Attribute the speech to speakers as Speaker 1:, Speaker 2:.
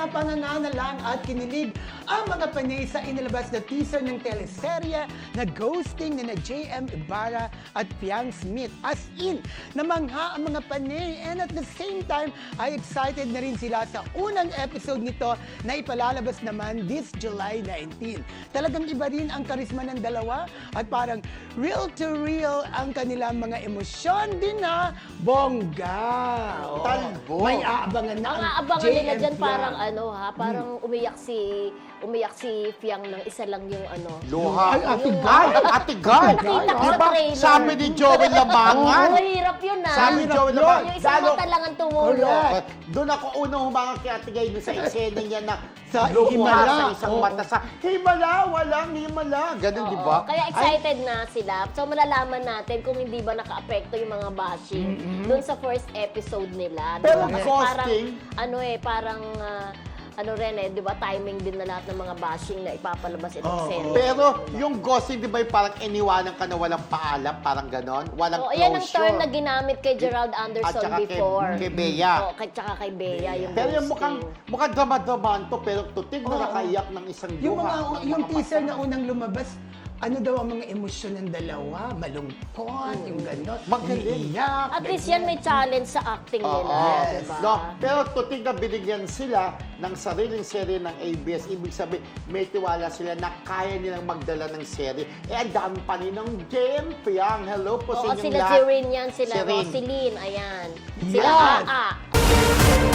Speaker 1: na panganganalang at kinilig ang mga panay sa inilabas na teaser ng teleserye na Ghosting ni na JM Ibarra at Piang Smith. As in, namangha ang mga panay and at the same time ay excited na rin sila sa unang episode nito na ipalalabas naman this July 19. Talagang iba rin ang karisma ng dalawa at parang real to real ang kanilang mga emosyon din na bongga. Oo.
Speaker 2: Talbo.
Speaker 1: May aabangan na
Speaker 3: Ang aabangan nila dyan
Speaker 1: Piang.
Speaker 3: parang parang umiyak si Fiang ng isa lang yung
Speaker 2: Luha.
Speaker 1: Ay, Ate
Speaker 3: Yung-
Speaker 1: Guy.
Speaker 2: Ate Guy.
Speaker 3: Nakita ko sa
Speaker 2: Diba,
Speaker 3: trailer.
Speaker 2: sabi ni Joel Lamangan.
Speaker 3: Mahirap yun
Speaker 2: Sabi ni Joel
Speaker 1: Yun.
Speaker 2: Lamangan.
Speaker 3: Yung isang mata lang ang tumulong.
Speaker 1: Correct.
Speaker 2: Doon ako unang humangat kay Ate Guy sa eksena niya na
Speaker 1: Sa
Speaker 2: lumuha
Speaker 1: himala.
Speaker 2: sa isang
Speaker 1: Oo.
Speaker 2: mata sa himala, walang himala. Ganun, di ba?
Speaker 3: Kaya excited na sila. So malalaman natin kung hindi ba naka-apekto yung mga bashing dun sa first episode nila.
Speaker 2: Pero
Speaker 3: Kasi
Speaker 2: ghosting-
Speaker 3: parang di ba, timing din na lahat ng mga bashing na ipapalabas itong
Speaker 1: Oo.
Speaker 3: serye.
Speaker 2: Pero yung ghosting, di ba, yung parang iniwanan ka na walang paalam, parang ganon? Walang
Speaker 3: Oo,
Speaker 2: closure.
Speaker 3: yan ang term na ginamit kay Gerald Anderson
Speaker 2: saka
Speaker 3: before.
Speaker 2: kay Bea.
Speaker 3: Oo, tsaka kay Bea, yung
Speaker 2: Pero yung
Speaker 3: ghosting.
Speaker 2: mukhang drama-dramaan to, pero tutig na
Speaker 1: Oo.
Speaker 2: nakaiyak ng isang
Speaker 1: Yung
Speaker 2: luha.
Speaker 1: yung teaser na unang lumabas, ano daw ang mga emosyon ng dalawa? Malungkot, yung gano'n.
Speaker 2: Magaling.
Speaker 1: Iiyak,
Speaker 3: At least
Speaker 1: ganyan.
Speaker 3: yan may challenge sa acting nila,
Speaker 1: Yes.
Speaker 3: diba?
Speaker 2: No, pero tutig na binigyan sila ng sariling serye ng ABS. Ibig sabihin, may tiwala sila na kaya nilang magdala ng serye. Ang dami pa rin ng Jem Piang. Hello po sa
Speaker 3: Oo,
Speaker 2: inyong
Speaker 3: sila
Speaker 2: lahat.
Speaker 3: si Rin yan, sila
Speaker 2: Si Rin.
Speaker 3: Roseline, ayan.
Speaker 1: Yan.
Speaker 3: Sila Aa.